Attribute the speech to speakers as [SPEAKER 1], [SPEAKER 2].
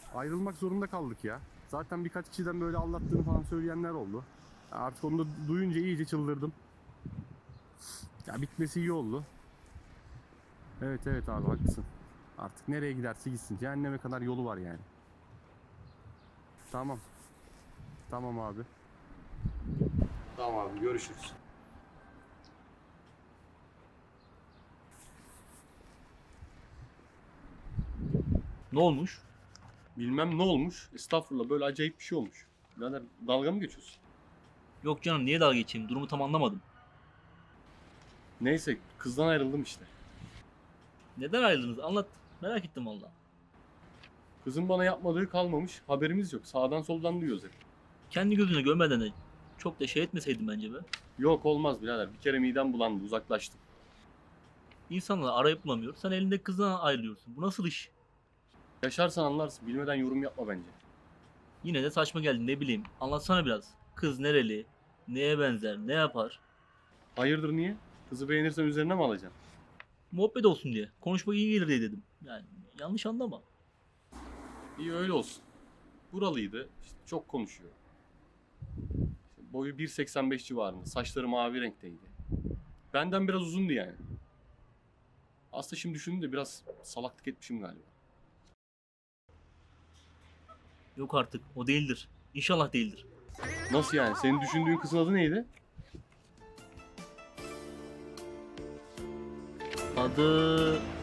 [SPEAKER 1] Ayrılmak zorunda kaldık ya. Zaten birkaç kişiden böyle aldattığını falan söyleyenler oldu. Artık onu da duyunca iyice çıldırdım. Ya bitmesi iyi oldu. Evet evet abi haklısın. Artık nereye giderse gitsin. Cehenneme kadar yolu var yani. Tamam. Tamam abi. Tamam abi görüşürüz.
[SPEAKER 2] Ne olmuş?
[SPEAKER 1] Bilmem ne olmuş. Estağfurullah böyle acayip bir şey olmuş. Birader dalga mı geçiyorsun?
[SPEAKER 2] Yok canım, niye dalga geçeyim? Durumu tam anlamadım.
[SPEAKER 1] Neyse kızdan ayrıldım işte.
[SPEAKER 2] Neden ayrıldınız? Anlat. Merak ettim valla.
[SPEAKER 1] Kızın bana yapmadığı kalmamış. Haberimiz yok. Sağdan soldan duyuyoruz hep.
[SPEAKER 2] Kendi gözüne görmeden de çok da şey etmeseydin bence be.
[SPEAKER 1] Yok olmaz birader. Bir kere midem bulandı. Uzaklaştım.
[SPEAKER 2] İnsanlar arayıp bulamıyor. Sen elinde kızdan ayrılıyorsun. Bu nasıl iş?
[SPEAKER 1] Yaşarsan anlarsın. Bilmeden yorum yapma bence.
[SPEAKER 2] Yine de saçma geldi, ne bileyim. Anlatsana biraz. Kız nereli? Neye benzer? Ne yapar?
[SPEAKER 1] Hayırdır niye? Kızı beğenirsen üzerine mi alacaksın?
[SPEAKER 2] Muhabbet olsun diye. Konuşmak iyi gelir diye dedim. Yani yanlış anlama.
[SPEAKER 1] İyi öyle olsun. Buralıydı. İşte çok konuşuyor. İşte boyu 1.85 civarında. Saçları mavi renkteydi. Benden biraz uzundu yani. Aslında şimdi düşündüm de biraz salaklık etmişim galiba.
[SPEAKER 2] Yok artık, o değildir. İnşallah değildir.
[SPEAKER 1] Nasıl yani? Senin düşündüğün kızın adı neydi?
[SPEAKER 2] Adı...